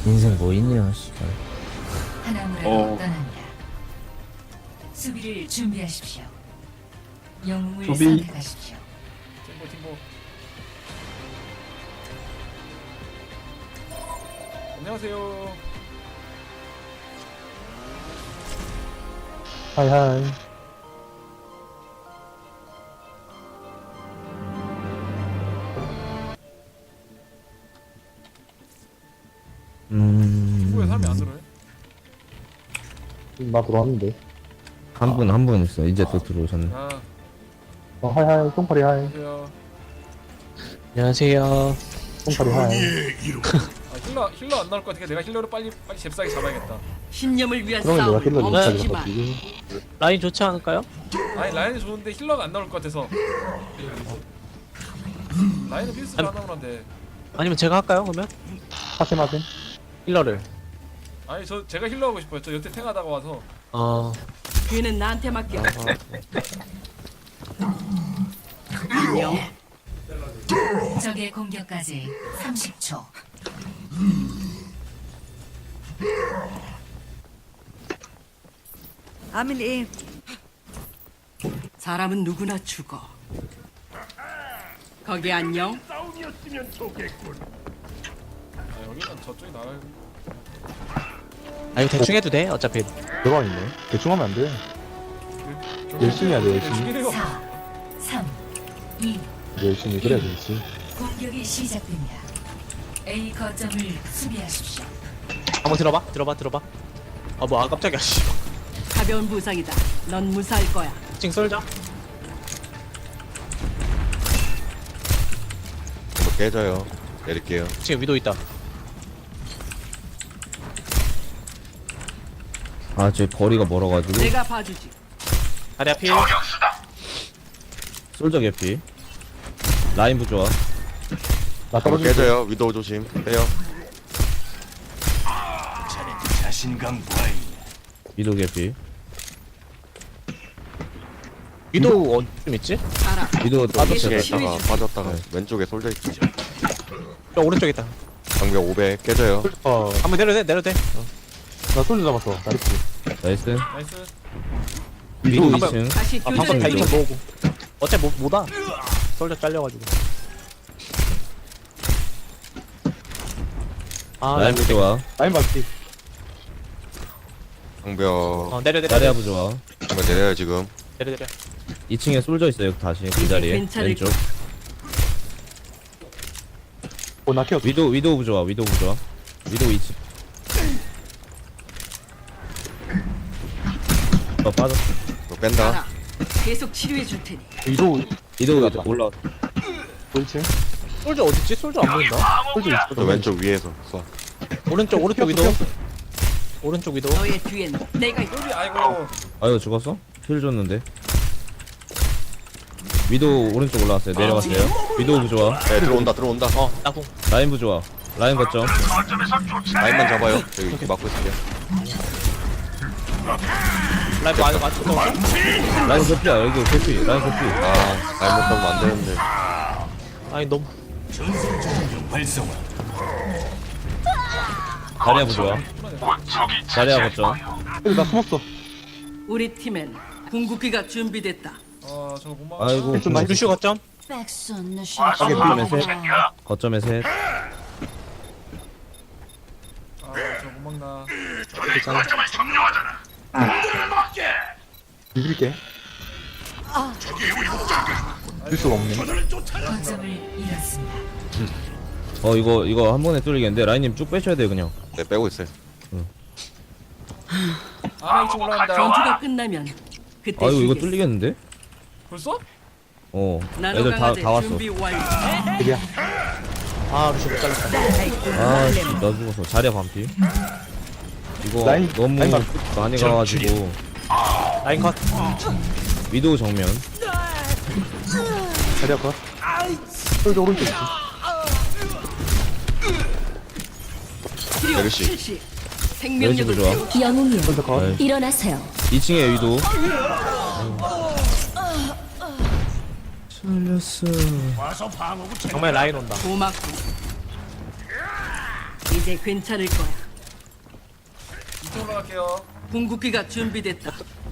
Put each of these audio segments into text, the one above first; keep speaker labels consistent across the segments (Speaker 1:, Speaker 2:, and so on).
Speaker 1: 인생 뭐 있냐 씨발.
Speaker 2: 하나무라로 떠납니다. 수비를 준비하십시오. 영웅을
Speaker 3: 수비.
Speaker 2: 선택하십시오.
Speaker 4: 팀보. 안녕하세요.
Speaker 3: 하이하이.
Speaker 4: 팀보에 사람이 안 들어요?
Speaker 3: 나 들어왔는데.
Speaker 1: 한 분 있어. 이제 또 들어오셨네.
Speaker 4: 아,
Speaker 3: 하이하이. 똥파리 하이.
Speaker 4: 안녕하세요.
Speaker 5: 안녕하세요.
Speaker 3: 똥파리 하이.
Speaker 4: 아, 힐러 안 나올 것 같으니까 내가 힐러를 빨리 잽싸게 잡아야겠다.
Speaker 6: 신념을 위한
Speaker 3: 그러면 내가
Speaker 6: 싸움
Speaker 3: 힐러
Speaker 6: 멈추지
Speaker 3: 못하게
Speaker 6: 마.
Speaker 3: 바뀌지.
Speaker 5: 라인 좋지 않을까요?
Speaker 4: 아니 라인이 좋은데 힐러가 안 나올 것 같아서. 라인은 필수로 안 나오는데.
Speaker 5: 아니면 제가 할까요? 그러면
Speaker 3: 하세마세.
Speaker 5: 힐러를.
Speaker 4: 아니 제가 힐러 하고 싶어요. 저 여태 탱하다가 와서.
Speaker 6: 뒤는 나한테 맡겨. 안녕.
Speaker 2: 적의 공격까지 30초.
Speaker 6: 아밀리. 사람은 누구나 죽어. 거기 안녕.
Speaker 4: 아 여기는 저쪽이 나아요.
Speaker 5: 아 이거 대충 해도 돼. 어차피
Speaker 3: 들어와 있네. 대충 하면 안 돼. 열심히 해야 돼, 열심히.
Speaker 4: 죽이래요.
Speaker 2: 4, 3, 2.
Speaker 3: 열심히 그래야 되지.
Speaker 2: 공격이 시작됩니다. A 거점을 수비하십시오.
Speaker 5: 한번 들어봐. 뭐 깜짝이야. 씨.
Speaker 6: 가벼운 부상이다. 넌 무사할 거야.
Speaker 5: 찡 쏠자.
Speaker 7: 한번 깨져요. 내릴게요.
Speaker 5: 지금 위도 있다.
Speaker 1: 아, 저 거리가 멀어가지고.
Speaker 6: 내가 봐주지.
Speaker 5: 다리 앞이.
Speaker 1: 솔저 개피. 라인 부좋아.
Speaker 3: 나
Speaker 7: 한번
Speaker 3: 떨어질게.
Speaker 7: 깨져요. 위도우 조심. 빼요.
Speaker 1: 위도 개피.
Speaker 5: 위도 어좀 있지?
Speaker 6: 알아.
Speaker 1: 위도
Speaker 7: 빠졌다가
Speaker 6: 치료해
Speaker 7: 빠졌다가 왼쪽에 솔져 있어.
Speaker 5: 저 오른쪽에 있다.
Speaker 7: 방벽 500 깨져요.
Speaker 5: 한번 내려도 돼.
Speaker 3: 나 솔져 잡았어. 나이스.
Speaker 1: 나이스.
Speaker 4: 나이스.
Speaker 1: 위도
Speaker 5: 한번-
Speaker 1: 2층.
Speaker 6: 다시
Speaker 5: 방금 다
Speaker 6: 교전을
Speaker 5: 이층
Speaker 6: 해.
Speaker 5: 모으고. 어차피 못와. 쏠져 잘려가지고.
Speaker 1: 라인 부좋아.
Speaker 3: 라인 맞지.
Speaker 7: 방벽
Speaker 5: 내려.
Speaker 1: 자리야 부좋아.
Speaker 7: 방벽 내려요 지금.
Speaker 5: 내려.
Speaker 1: 2층에 솔져 있어요. 다시 그 자리에.
Speaker 6: 괜찮을
Speaker 1: 왼쪽.
Speaker 3: 나 키웠어.
Speaker 1: 위도 부좋아. 위도 2층. 빠졌어.
Speaker 7: 이거 뺀다.
Speaker 6: 알아. 계속 치료해 줄 테니.
Speaker 3: 위도
Speaker 1: 위도 올라.
Speaker 3: 돌지.
Speaker 5: 솔져 어딨지? 솔져 안 보인다.
Speaker 3: 솔져 있어.
Speaker 7: 저 왼쪽 위에서 쏴.
Speaker 5: 오른쪽 위도. 오른쪽 위도.
Speaker 6: 너의 뒤엔 내가 있다.
Speaker 4: 여기 아이고.
Speaker 1: 아유 죽었어? 힐 줬는데. 위도 오른쪽 올라왔어요. 내려갔어요. 위도 부좋아.
Speaker 7: 네 들어온다.
Speaker 5: 따궁.
Speaker 1: 라인 부좋아. 라인 거점.
Speaker 7: 라인만 잡아요. 저기 이렇게 막고 있을게요.
Speaker 5: 라이브 맞췄다.
Speaker 1: 라인 개피야. 여기 개피. 라인 개피.
Speaker 7: 아 라인 못 잡으면 안 되는데.
Speaker 5: 아니 너무.
Speaker 1: 자리야 부좋아. 자리야 거점.
Speaker 3: 나 숨었어.
Speaker 6: 우리 팀엔 궁극기가 준비됐다.
Speaker 4: 아 저거 못 막아.
Speaker 1: 아이고.
Speaker 3: 좀 나이스.
Speaker 5: 루슈 거점.
Speaker 1: 거점에 셋. 거점에 셋.
Speaker 4: 아 저거 못 막나.
Speaker 3: 비빌게. 빌 수가 없네.
Speaker 2: 거점을 잃었습니다.
Speaker 1: 이거 한 번에 뚫리겠는데 라인님 쭉 빼셔야 돼요 그냥.
Speaker 7: 네 빼고 있어요.
Speaker 4: 아나 2층 올라간다.
Speaker 6: 전투가 끝나면 그때
Speaker 1: 아이고 이거
Speaker 6: 쉬겠어.
Speaker 1: 뚫리겠는데?
Speaker 4: 벌써?
Speaker 1: 애들
Speaker 6: 나노강화제
Speaker 1: 다 왔어.
Speaker 6: 준비 완료.
Speaker 3: 비비야.
Speaker 5: 루슈 못 잘랐다.
Speaker 1: 아씨 나 죽었어. 자리야 반피. 이거
Speaker 3: 라인-
Speaker 1: 너무
Speaker 3: 라인
Speaker 1: 많이 가가지고.
Speaker 5: 라인 컷.
Speaker 1: 위도우 정면.
Speaker 3: 자리야 컷. 솔져 오른쪽 있지.
Speaker 6: 치료
Speaker 7: 메르시.
Speaker 6: 실시. 생명력을
Speaker 1: 좋아.
Speaker 6: 채우자.
Speaker 8: 영웅이여
Speaker 3: 솔져 컷.
Speaker 1: 네.
Speaker 8: 일어나세요.
Speaker 1: 2층에 위도우. 살렸어.
Speaker 5: 정말 라인 온다.
Speaker 6: 고맙고. 이제 괜찮을 거야.
Speaker 4: 2층 올라갈게요.
Speaker 6: 궁극기가 준비됐다.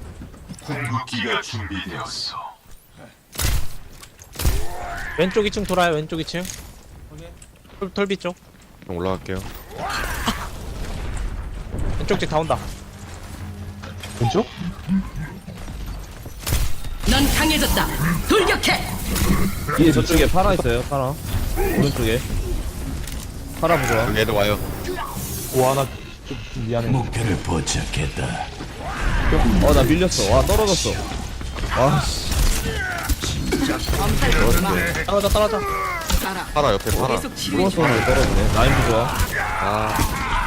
Speaker 5: 왼쪽 2층 돌아요. 왼쪽 2층.
Speaker 4: 확인.
Speaker 5: 털비 쪽.
Speaker 7: 좀 올라갈게요.
Speaker 5: 왼쪽 집 다 온다.
Speaker 3: 왼쪽?
Speaker 6: 넌 강해졌다. 돌격해.
Speaker 1: 뒤에 저쪽에 파라 있어요. 파라. 오른쪽에. 파라 부좋아.
Speaker 7: 여기 애들 와요.
Speaker 3: 와, 나 좀 미안해.
Speaker 1: 나 밀렸어. 와 떨어졌어. 와 씨.
Speaker 6: 엄살 부리지 마.
Speaker 5: 떨어져.
Speaker 6: 알아.
Speaker 7: 파라 옆에 파라.
Speaker 6: 계속 치료해 줘.
Speaker 1: 플러스원으로 떨어지네. 라인 부좋아.
Speaker 7: 아,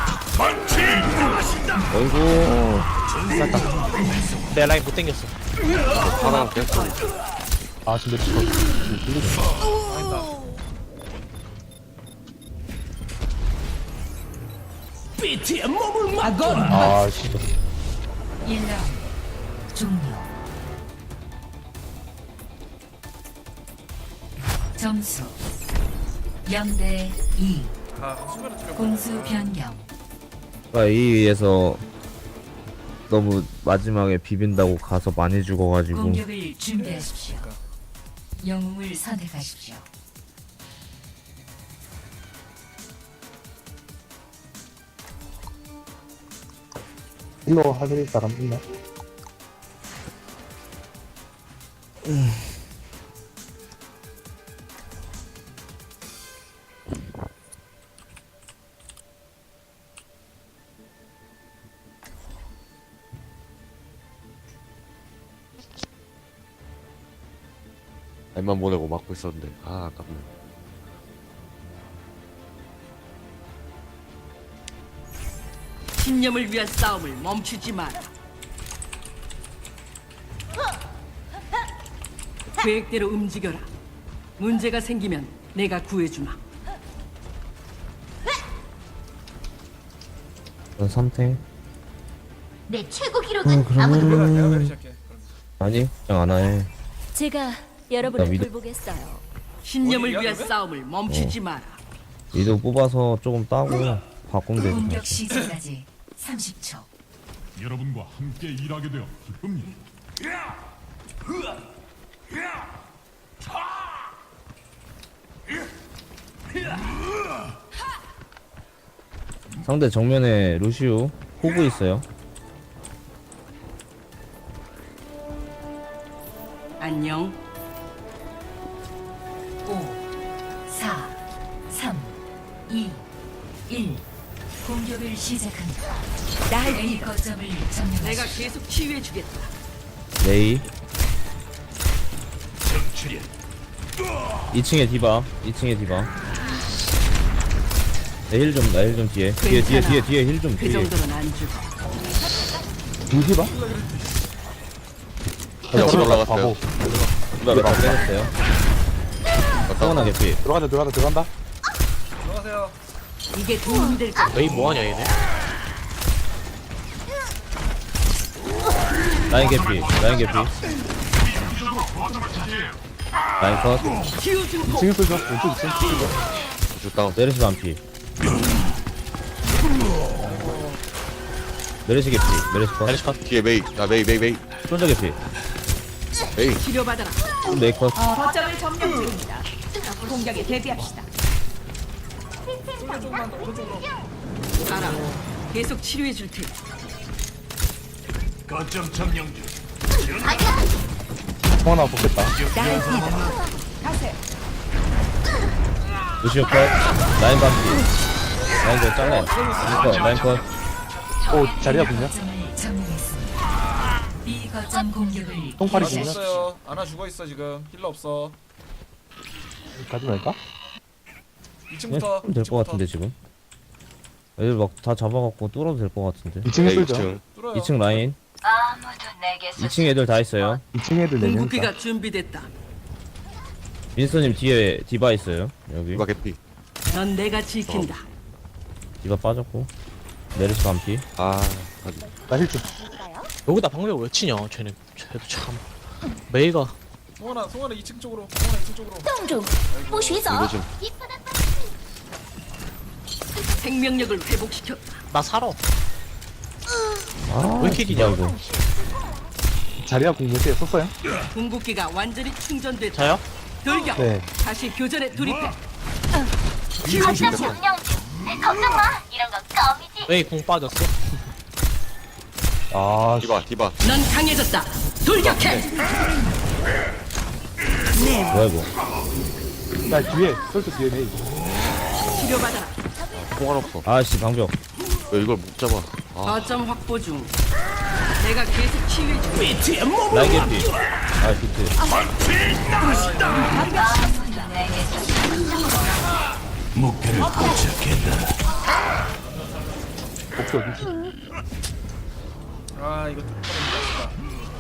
Speaker 1: 어이구.
Speaker 5: 내 라인 못 당겼어.
Speaker 7: 파라 깼어.
Speaker 3: 아, 근데 저 아, 씨.
Speaker 2: 1라운드 종료. 점수 0대 2.
Speaker 4: 아, 순간에 좀
Speaker 2: 공수 변경.
Speaker 1: 이 위에서 너무 마지막에 비빈다고 가서 많이 죽어가지고
Speaker 2: 공격을 준비하십시오. 영웅을 선택하십시오.
Speaker 3: 힐러 하실 사람 있나?
Speaker 7: 날만 보내고 막고 있었는데. 아, 아깝네.
Speaker 6: 신념을 위한 싸움을 멈추지 마라. 계획대로 움직여라. 문제가 생기면 내가 구해주마.
Speaker 1: 선택.
Speaker 8: 내 최고 기록은
Speaker 4: 내가 시작해.
Speaker 1: 아니 그냥 안 해.
Speaker 8: 제가
Speaker 1: 나
Speaker 8: 여러분을
Speaker 1: 믿어.
Speaker 8: 돌보겠어요.
Speaker 6: 신념을
Speaker 4: 어디야,
Speaker 6: 위한
Speaker 4: 그러면?
Speaker 6: 싸움을 멈추지 마라.
Speaker 1: 위도 뽑아서 조금 따고 바꾸면 되지.
Speaker 2: 공격 시작까지 30초.
Speaker 9: 여러분과 함께 일하게 되어 기쁩니다.
Speaker 1: 상대 정면에 루시우 호구 있어요.
Speaker 6: 안녕.
Speaker 2: 5, 4, 3, 2, 1. 공격을 시작합니다. A 거점을
Speaker 6: 내가
Speaker 2: 점령하십시오.
Speaker 6: 계속 치유해주겠다.
Speaker 1: 레이. 2층에 디바. 2층에 디바. 힐 좀 뒤에. 뒤에 힐 좀
Speaker 6: 그
Speaker 1: 뒤에.
Speaker 6: 정도는 안 죽어.
Speaker 3: 김기바?
Speaker 7: 옆으로 올라갔어요.
Speaker 1: 디바 몇번 빼냈어요. 성원아 개피.
Speaker 3: 들어간다.
Speaker 4: 들어가세요.
Speaker 6: 이게 도움이 될 거야.
Speaker 5: 너희 뭐하냐 얘네?
Speaker 1: 라인 개피. 라인 컷.
Speaker 6: 치유 증폭.
Speaker 3: 2층에 쏘죠. 왼쪽 2층 쏘죠.
Speaker 7: 주 다운.
Speaker 1: 메르시 반피. 메르시 개피. 메르시 컷.
Speaker 7: 뒤에 메이. 아, 메이.
Speaker 1: 손자 개피.
Speaker 7: 메이.
Speaker 6: 치료받아라.
Speaker 1: 메이 컷.
Speaker 8: 거점을 점령 중입니다. 공격에 대비합시다.
Speaker 6: 알아. 계속 치료해줄 테니.
Speaker 3: 통 하나 뽑겠다.
Speaker 1: 루시오 컷. 라인 반피. 라인 컷 잘라. 라인 컷.
Speaker 3: 오, 자리야 붙냐?
Speaker 2: 거점을 점령했습니다. B 거점 공격을
Speaker 3: 똥파리
Speaker 4: 아나
Speaker 3: 죽냐?
Speaker 4: 죽었어요. 아나 죽어 있어 지금. 힐러 없어.
Speaker 3: 가지 말까?
Speaker 4: 2층부터.
Speaker 1: 네, 될것 같은데 지금. 애들 막 다 잡아갖고 뚫어도 될 것 같은데.
Speaker 3: 2층에
Speaker 7: 메이
Speaker 3: 쏘죠.
Speaker 7: 2층.
Speaker 4: 뚫어요.
Speaker 1: 2층 라인.
Speaker 2: 아무도 내게
Speaker 1: 2층 애들 다 있어요.
Speaker 3: 2층 애들 내니까.
Speaker 6: 궁극기가 준비됐다.
Speaker 1: 윈스님 뒤에 디바 있어요. 여기.
Speaker 7: 누가 개피.
Speaker 6: 넌 내가 지킨다.
Speaker 1: 디바 빠졌고. 메르시 반피.
Speaker 7: 아, 가지.
Speaker 3: 나 힐 좀.
Speaker 5: 여기다 방벽 왜 치냐? 쟤도 참. 메이가
Speaker 4: 송환아 2층 쪽으로. 송환아 2층 쪽으로.
Speaker 8: 洞主，不许走！
Speaker 7: 이거 좀.
Speaker 6: 생명력을 회복시켰다.
Speaker 5: 나 살아.
Speaker 1: 아,
Speaker 5: 왜 이렇게 기냐,
Speaker 1: 이거.
Speaker 3: 자리야 공 몇 개 썼어요?
Speaker 6: 궁극기가 완전히 충전됐다.
Speaker 5: 저요?
Speaker 6: 돌격.
Speaker 3: 네.
Speaker 6: 다시 교전에 돌입해.
Speaker 2: 거점 점령 중. 걱정 마. 이런 건 껌이지.
Speaker 5: 왜 공 빠졌어?
Speaker 3: 아,
Speaker 7: 디바.
Speaker 6: 넌 강해졌다. 돌격해.
Speaker 1: 뭐야, 이거.
Speaker 3: 나 뒤에, 솔트 뒤에 내.
Speaker 6: 치료받아라.
Speaker 7: 통화 없어.
Speaker 1: 아씨, 방벽.
Speaker 7: 왜 이걸 못 잡아? 아,
Speaker 6: 거점 확보 중. 내가 계속 치유해줄게.
Speaker 1: 라인 개피. 아, 비트.
Speaker 2: 아무도 내게서
Speaker 3: 복수 어디지?
Speaker 4: 아 이거 뚜껑을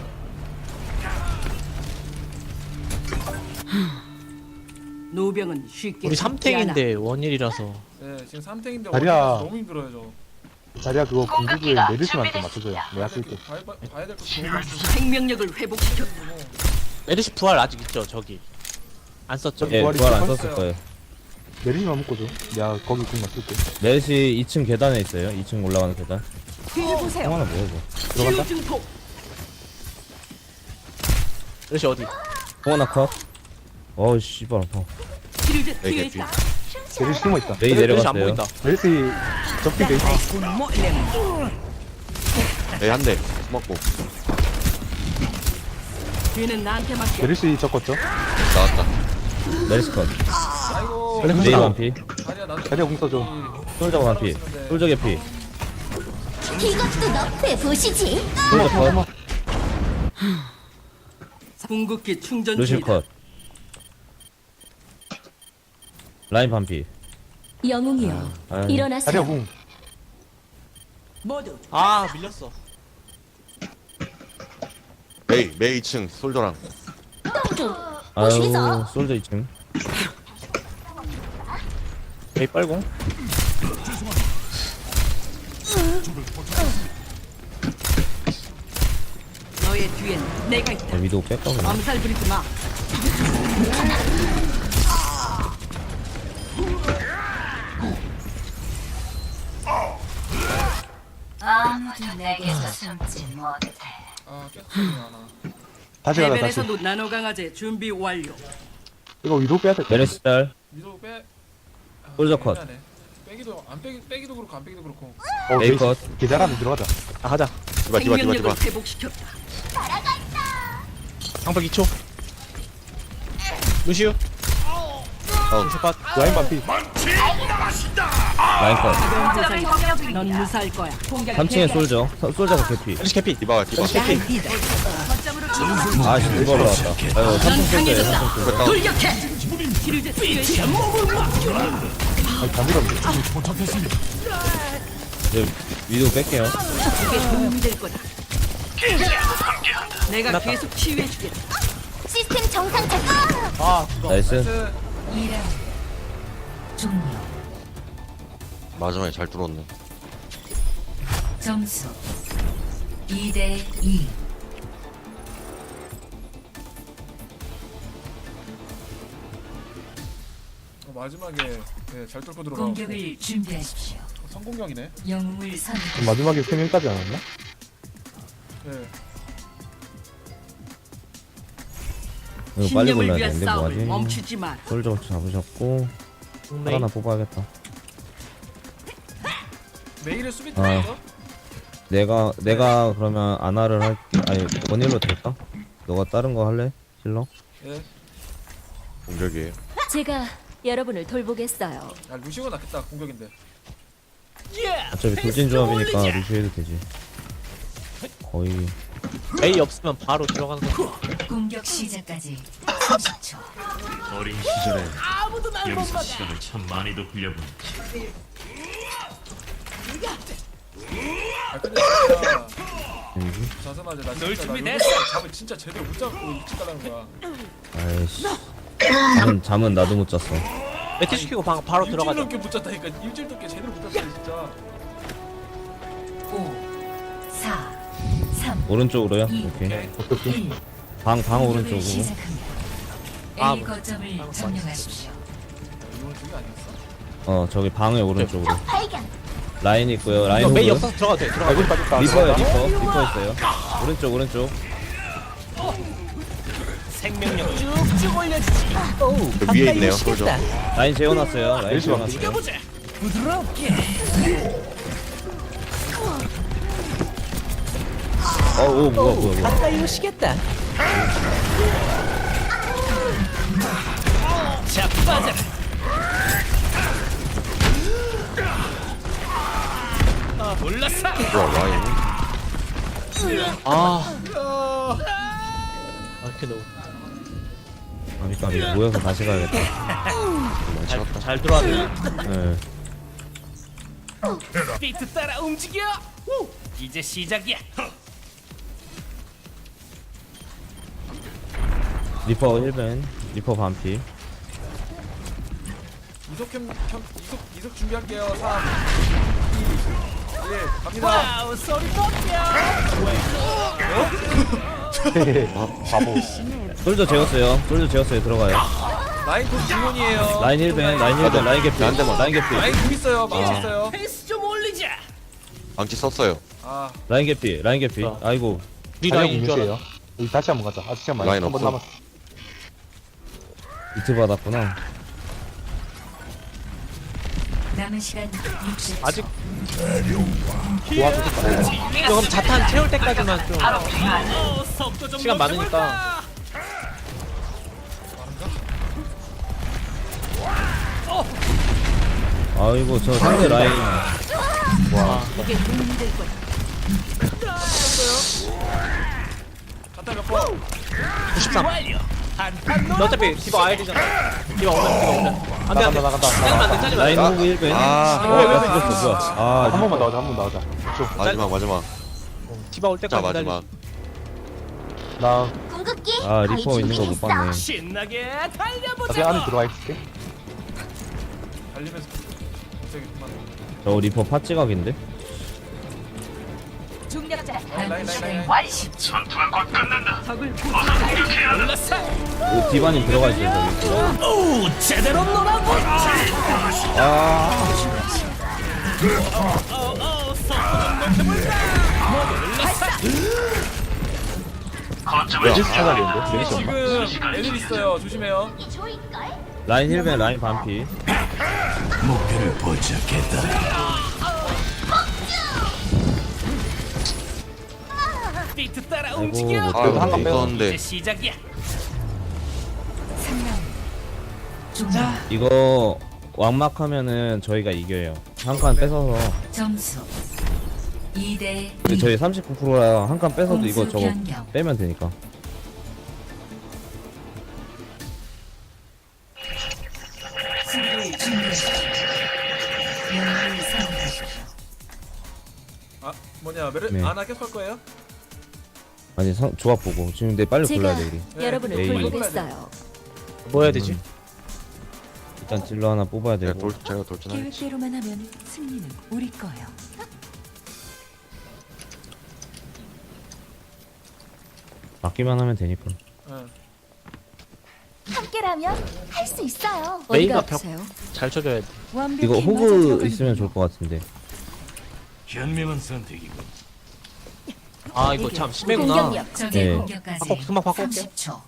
Speaker 6: 노병은 쉽게
Speaker 5: 우리
Speaker 6: 죽지 않아.
Speaker 5: 3탱인데 원일이라서.
Speaker 4: 네 지금 3탱인데
Speaker 3: 다리야.
Speaker 4: 너무 힘들어요 저.
Speaker 3: 자리야 그거 공격을 메르시한테 맞춰줘요. 내가 쓸게.
Speaker 4: 봐야 될 거 너무 많고.
Speaker 6: 생명력을 회복시켰다.
Speaker 5: 메르시 부활 아직 있죠, 저기. 안 썼죠?
Speaker 1: 예,
Speaker 3: 부활이
Speaker 1: 부활 안
Speaker 3: 있어요?
Speaker 1: 썼을 거예요.
Speaker 3: 메르시만 묶어줘. 내가 거기 공 맞출게.
Speaker 1: 넷이 2층 계단에 있어요. 2층 올라가는 계단.
Speaker 8: 뒤를 보세요.
Speaker 1: 형 하나 뭐야, 이거.
Speaker 3: 들어간다?
Speaker 6: 치유 증폭.
Speaker 5: 메르시 어디?
Speaker 1: 형 하나 컷. 어우, 씨발, 아파.
Speaker 6: 치료제
Speaker 7: 네,
Speaker 6: 투여했다.
Speaker 3: 메르시 숨어 있다.
Speaker 1: 메이
Speaker 5: 메르시 안
Speaker 1: 내려갔어요.
Speaker 5: 보인다.
Speaker 3: 메르시 접기 돼 있어.
Speaker 7: 에이 한 대. 숨었고.
Speaker 6: 뒤는 나한테 맡겨.
Speaker 3: 메르시 접었죠?
Speaker 7: 나왔다.
Speaker 1: 메리스 컷.
Speaker 4: 아이고
Speaker 3: 메르시
Speaker 1: 메이
Speaker 3: 공
Speaker 1: 완피.
Speaker 4: 다리야 나도
Speaker 3: 자리야 공 써줘.
Speaker 1: 솔저 완피. 솔저 개피.
Speaker 8: 이것도 너프에 보시지.
Speaker 1: 솔저 컷.
Speaker 6: 궁극기 충전
Speaker 1: 루실
Speaker 6: 중이다.
Speaker 1: 컷. 라인 반피.
Speaker 8: 영웅이여,
Speaker 1: 아,
Speaker 3: 자리야
Speaker 8: 일어나세요.
Speaker 3: 공.
Speaker 6: 모두
Speaker 5: 아, 밀렸어.
Speaker 7: 메이 2층 솔저랑.
Speaker 8: 똥좀
Speaker 1: 아유,
Speaker 8: 보시겠어?
Speaker 1: 솔저 2층. 메이 빨공.
Speaker 6: 너의 뒤엔 내가 있다.
Speaker 1: 네, 위도우 뺄까, 그냥.
Speaker 6: 암살 부리지 마.
Speaker 2: 아무도 내게서 숨지 못해.
Speaker 4: 아 깼지 하나.
Speaker 3: 다시 가자, 다시.
Speaker 6: 해변에서도 나노 강화제 준비 완료.
Speaker 3: 이거 위로 빼야 될 것 같아.
Speaker 1: 메리스 짤.
Speaker 4: 위로 빼. 아,
Speaker 1: 솔저 컷.
Speaker 4: 애매하네. 빼기도 안 빼기도 그렇고 안 빼기도 그렇고.
Speaker 1: 메이
Speaker 3: 메르시.
Speaker 1: 컷.
Speaker 3: 계좌 안에 들어가자.
Speaker 5: 아, 가자.
Speaker 7: 디바.
Speaker 6: 생명력을 회복시켰다.
Speaker 5: 방벽 2초. 루시우. 루시우 컷.
Speaker 3: 라인 반피.
Speaker 1: 라인 컷.
Speaker 6: 가벼운 부상이다. 넌 무사할 거야.
Speaker 1: 3층에 솔저. 솔저가 개피.
Speaker 5: 메르시 캐피.
Speaker 7: 디바.
Speaker 1: 아, 씨, 이거 올라왔다. 아유, 3층
Speaker 6: 넌
Speaker 1: 솔저예요,
Speaker 6: 강해졌다.
Speaker 1: 3층 솔저.
Speaker 6: 돌격해. 치료제 투여했다.
Speaker 3: 아니, 다 밀었네.
Speaker 1: 이제 위도우 뺄게요.
Speaker 6: 이게 도움이 될 거다. 내가 계속 치유해주겠다.
Speaker 8: 시스템 정상 작동.
Speaker 5: 아, 그거.
Speaker 1: 나이스.
Speaker 2: 2라운드 종료.
Speaker 7: 마지막에 잘 뚫었네.
Speaker 2: 점수 2대 2.
Speaker 4: 마지막에 네, 잘 뚫고 들어가.
Speaker 2: 공격을 준비하십시오.
Speaker 4: 성공격이네.
Speaker 2: 영웅을 선택.
Speaker 3: 마지막에 3명까지 안 왔나?
Speaker 4: 네.
Speaker 1: 이거 빨리
Speaker 6: 신념을
Speaker 1: 골라야
Speaker 6: 위한
Speaker 1: 되는데,
Speaker 6: 싸움을
Speaker 1: 뭐하지?
Speaker 6: 멈추지 마.
Speaker 1: 솔저 잡으셨고.
Speaker 5: 메이.
Speaker 1: 하나 뽑아야겠다.
Speaker 4: 메일에 수비
Speaker 1: 아.
Speaker 4: 들어갔어?
Speaker 1: 내가 그러면 아나를 할게. 아니, 원일로 될까? 너가 다른 거 할래? 힐러?
Speaker 4: 예.
Speaker 7: 공격이에요.
Speaker 8: 제가 여러분을 돌보겠어요.
Speaker 4: 야 루시오가 낫겠다 공격인데.
Speaker 1: 어차피 돌진 조합이니까 루시 해도 되지. 거의.
Speaker 5: 메이 없으면 바로 들어가는 거.
Speaker 2: 공격 시작까지 30초.
Speaker 9: 어린 시절에 여기서 시간을 참 많이도 흘려본
Speaker 4: 아 근데 진짜
Speaker 1: 되지?
Speaker 4: 자세마자 나 진짜 나 잡을 진짜 제대로 못 잡고 일찍 가라는 거야.
Speaker 1: 아이씨. 잠은 나도 못 잤어.
Speaker 5: 매트 시키고 바로
Speaker 4: 일주일
Speaker 5: 들어가자.
Speaker 4: 넘게 못 잤다니까. 일주일 넘게 제대로 못 잤어 진짜.
Speaker 2: 5 4 3
Speaker 1: 오른쪽으로요?
Speaker 2: 2
Speaker 1: 오케이.
Speaker 2: 1.
Speaker 1: 방
Speaker 2: 공격을
Speaker 1: 오른쪽으로.
Speaker 2: 시작합니다.
Speaker 5: 아,
Speaker 2: A 거점을 점령하십시오.
Speaker 4: 이건 저기 아니었어?
Speaker 1: 저기 방의 오른쪽으로
Speaker 2: 적 발견.
Speaker 1: 라인 있고요. 라인
Speaker 5: 이거 메이
Speaker 1: 호그.
Speaker 5: 없어 들어가도 돼. 들어가.
Speaker 3: 아이고 빠졌다.
Speaker 1: 리퍼요 리퍼 있어요. 오른쪽.
Speaker 7: 저 위에 있네요 솔저.
Speaker 1: 라인 재워놨어요. 라인
Speaker 3: 멜시
Speaker 1: 재워놨어요. 오 뭐야.
Speaker 6: 가까이 오시겠다. 자, 빠져. 몰랐어.
Speaker 7: 뭐야 라인.
Speaker 5: 이렇게 너무
Speaker 1: 그러니까 모여서 다시 가야겠다.
Speaker 5: 잘 들어왔네.
Speaker 1: 네.
Speaker 6: 비트 따라 움직여. 이제 시작이야.
Speaker 1: 리퍼 1벤. 리퍼 반피.
Speaker 4: 이속 준비할게요. 3, 2, 1 갑니다.
Speaker 6: 와우, 소리 뻑겨.
Speaker 3: 바보.
Speaker 1: 솔저 재웠어요. 들어가요.
Speaker 4: 라인 곧 중원이에요.
Speaker 1: 라인 1벤. 라인 개피.
Speaker 7: 한 대만.
Speaker 1: 라인 개피.
Speaker 4: 라인 좀 있어요. 망치 있어요.
Speaker 6: 페이스 좀 올리자.
Speaker 7: 방치 썼어요.
Speaker 4: 아,
Speaker 1: 라인 개피. 아이고.
Speaker 5: 우리
Speaker 3: 라인
Speaker 5: 라인 줄 알아.
Speaker 3: 무시해요. 여기 다시 한번 가자. 아직 시간 많이.
Speaker 7: 라인
Speaker 3: 한번
Speaker 7: 없어.
Speaker 3: 남았어.
Speaker 1: 이트 받았구나.
Speaker 8: 남은 시간 60초.
Speaker 5: 아직 이거 그럼 자탄 채울 때까지만 좀
Speaker 6: 속도 좀
Speaker 5: 시간 많으니까.
Speaker 6: 높여볼까?
Speaker 1: 아이고 저 상대 라인.
Speaker 8: 이게 도움이 될 거야.
Speaker 4: 갖다 몇 번.
Speaker 5: 93.
Speaker 6: 완료.
Speaker 5: 너 어차피 디바 와야 되잖아. 디바 오면. 안돼 안돼.
Speaker 3: 나간다.
Speaker 5: 짜리면 안돼 짜리면
Speaker 1: 라인
Speaker 5: 안돼.
Speaker 1: 호그 1벤.
Speaker 7: 아
Speaker 1: 죽었어. 뭐야.
Speaker 3: 한 번만 나오자.
Speaker 7: 마지막.
Speaker 5: 디바 올
Speaker 7: 자
Speaker 5: 때까지 기다려.
Speaker 7: 마지막.
Speaker 3: 나
Speaker 2: 궁극기.
Speaker 1: 리퍼
Speaker 2: 거의
Speaker 1: 있는 거 못
Speaker 2: 준비됐어.
Speaker 1: 봤네.
Speaker 6: 신나게
Speaker 3: 나중에
Speaker 6: 달려보자.
Speaker 3: 안에 들어와 있을게.
Speaker 4: 달리면서 저기 그만.
Speaker 1: 저 리퍼 팥지각인데?
Speaker 8: 중력자.
Speaker 4: 라인.
Speaker 6: 적을 몰랐어.
Speaker 1: 디바님 들어가 있어요 저기.
Speaker 6: 오, 제대로 놀아보자.
Speaker 3: 멜시 찾아야겠는데. 멜시 없나?
Speaker 4: 지금 애들 있어요. 조심해요.
Speaker 2: 이 좋을걸?
Speaker 1: 라인 1벤 라인 반피.
Speaker 9: 목표를 포착했다.
Speaker 6: 비트 따라
Speaker 1: 아이고
Speaker 6: 움직여.
Speaker 1: 못
Speaker 7: 아
Speaker 3: 그래도 한칸
Speaker 7: 이거
Speaker 3: 빼고.
Speaker 7: 있었는데.
Speaker 6: 이제 시작이야.
Speaker 1: 이거 왕막하면은 저희가 이겨요. 한 칸 뺏어서.
Speaker 8: 점수 2대
Speaker 1: 근데 저희 39%라 한 칸 뺏어도 이거 저거 빼면 되니까.
Speaker 8: 수비를 준비하십시오. 영웅을 선택하십시오.
Speaker 4: 아, 뭐냐?
Speaker 1: 네.
Speaker 4: 아나 계속 할 거예요?
Speaker 1: 아니 조합 보고 지금 근데 빨리 골라야 돼 우리.
Speaker 4: 네.
Speaker 2: 여러분을
Speaker 1: 에이.
Speaker 2: 돌보겠어요.
Speaker 5: 뭐 해야 되지?
Speaker 1: 일단 딜러 하나 뽑아야 되고.
Speaker 7: 제가 돌진하겠지.
Speaker 8: 계획대로만 하면 승리는 우리 거예요.
Speaker 1: 맞기만 하면 되니까.
Speaker 4: 응.
Speaker 2: 함께라면 할 수 있어요.
Speaker 5: 메이가
Speaker 2: 어디가
Speaker 5: 벽
Speaker 2: 아프세요?
Speaker 5: 잘 쳐줘야 돼.
Speaker 2: 완벽히
Speaker 1: 이거
Speaker 2: 맞아
Speaker 1: 호그
Speaker 2: 들어가는
Speaker 1: 있으면 좋을 것 같은데.
Speaker 9: 현명한 선택이군.
Speaker 5: 아 이거 참 심해구나.
Speaker 2: 공격력.
Speaker 8: 적의
Speaker 1: 네.
Speaker 8: 공격까지
Speaker 5: 금방 바꿔올게.
Speaker 8: 30초.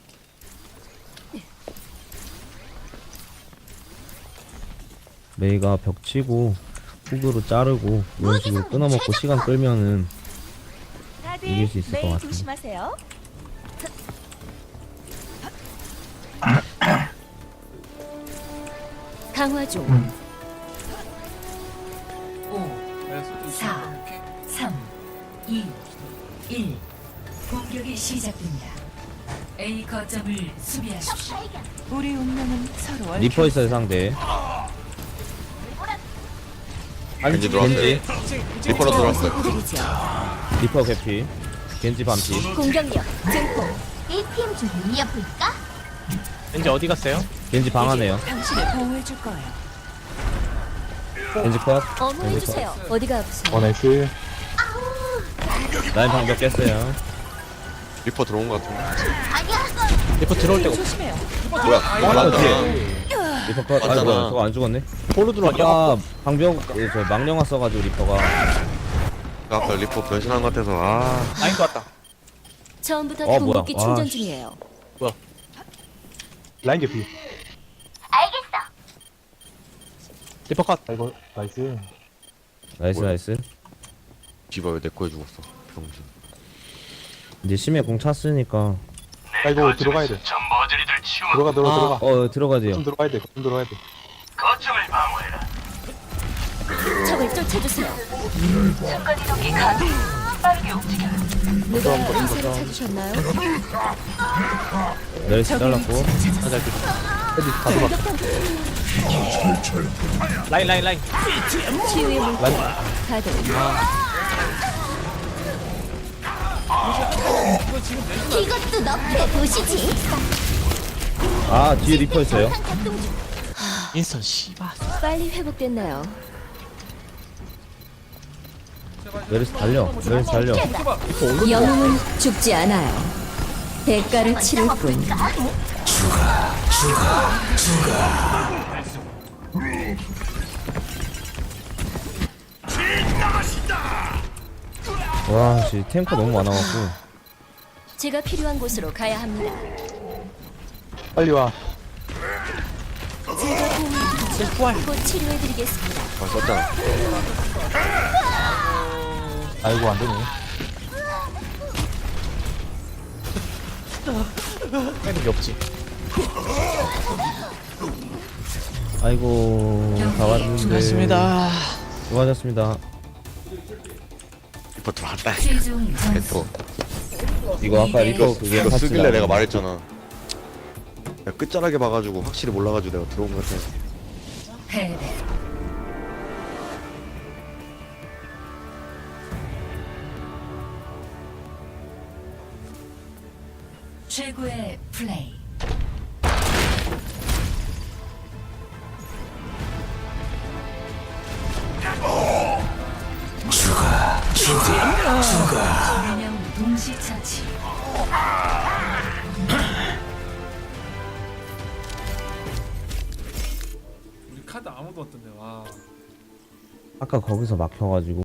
Speaker 1: 메이가 벽 치고 호그로 자르고 이런 식으로 끊어먹고 시간 끌면은 이길 수 있을 것 같은데.
Speaker 2: 조심하세요. 강화 중.
Speaker 8: 5,
Speaker 4: 네,
Speaker 8: 4, 3, 2, 1. 공격이 시작됩니다. A 거점을 수비하십시오. 우리 운명은 서로
Speaker 1: 리퍼 있어요 상대.
Speaker 7: 겐지 들어왔어요. 리퍼로 들어왔어요.
Speaker 1: 리퍼 개피. 겐지 반피.
Speaker 2: 공격력 증폭. 이팀 좀 이어볼까?
Speaker 5: 왠지 어디 갔어요?
Speaker 1: 겐지 방 안에요.
Speaker 8: 당신을 보호해 줄 거예요.
Speaker 1: 겐지 컷.
Speaker 2: 어머해주세요. 어디가 아프세요?
Speaker 3: 나이스.
Speaker 1: 라인 방벽 깼어요.
Speaker 7: 리퍼 들어온 것 같은데.
Speaker 2: 아니야.
Speaker 5: 리퍼 들어올 때가 없어.
Speaker 8: 조심해요.
Speaker 7: 뭐야?
Speaker 1: 하나
Speaker 7: 맞다.
Speaker 1: 뒤에. 리퍼 아
Speaker 7: 맞잖아.
Speaker 1: 뭐야 저거 안 죽었네.
Speaker 5: 볼로 들어왔냐?
Speaker 1: 아까 방병 저 망령아 써가지고 리퍼가
Speaker 7: 아까 리포 변신한 것 같아서
Speaker 5: 라인 것 같다.
Speaker 2: 처음부터
Speaker 1: 뭐야.
Speaker 2: 궁극기
Speaker 1: 와,
Speaker 2: 충전
Speaker 1: 씨.
Speaker 2: 중이에요.
Speaker 3: 라인 개피.
Speaker 2: 알겠어.
Speaker 5: 리퍼 컷.
Speaker 3: 아이고 나이스.
Speaker 1: 나이스 나이스.
Speaker 7: 디바 왜 내 거에 죽었어 병신.
Speaker 1: 이제 심해 공 찼으니까
Speaker 3: 아이고 들어가야 돼.
Speaker 9: 저 머저리들 치워
Speaker 3: 들어가.
Speaker 1: 들어가야 돼요.
Speaker 3: 좀 들어가야 돼. 좀 들어가야 돼.
Speaker 9: 거점을 방어해라.
Speaker 2: 적을 쫓아주세요. 순간 이동기 가동. 빠르게 움직여. 누가 의사를 찾으셨나요?
Speaker 1: 메르시 잘랐고.
Speaker 3: 헤디 다 들어가.
Speaker 5: 라인.
Speaker 2: 치유의 물질 가동. 이것도 너프에 보시지.
Speaker 1: 아 뒤에 리퍼 있어요.
Speaker 5: 인스턴 씨발.
Speaker 2: 빨리 회복됐나요?
Speaker 1: 메르시 달려. 메르시 달려.
Speaker 2: 영웅은 죽지 않아요. 대가를 치를 뿐.
Speaker 1: 와씨 탱커 너무 많아갖고.
Speaker 2: 제가 필요한 곳으로 가야 합니다.
Speaker 3: 빨리 와.
Speaker 2: 제가 곧 치료해드리겠습니다.
Speaker 7: 썼잖아.
Speaker 3: 아이고 안 되네.
Speaker 5: 빼는 게 없지.
Speaker 1: 아이고 다 왔는데.
Speaker 5: 수고하셨습니다.
Speaker 1: 수고하셨습니다.
Speaker 7: 리포 들어왔다.
Speaker 2: 최종
Speaker 7: 리포.
Speaker 1: 이거 아까 리퍼 그게
Speaker 7: 이거
Speaker 1: 같이
Speaker 7: 쓰길래
Speaker 1: 나오는
Speaker 7: 내가
Speaker 1: 거.
Speaker 7: 말했잖아. 내가 끝자락에 봐가지고 확실히 몰라가지고 내가 들어온 것 같아.
Speaker 8: 최고의 플레이. 그냥 동시처치.
Speaker 4: 우리 카드 아무도 없던데 와.
Speaker 1: 아까 거기서 막혀가지고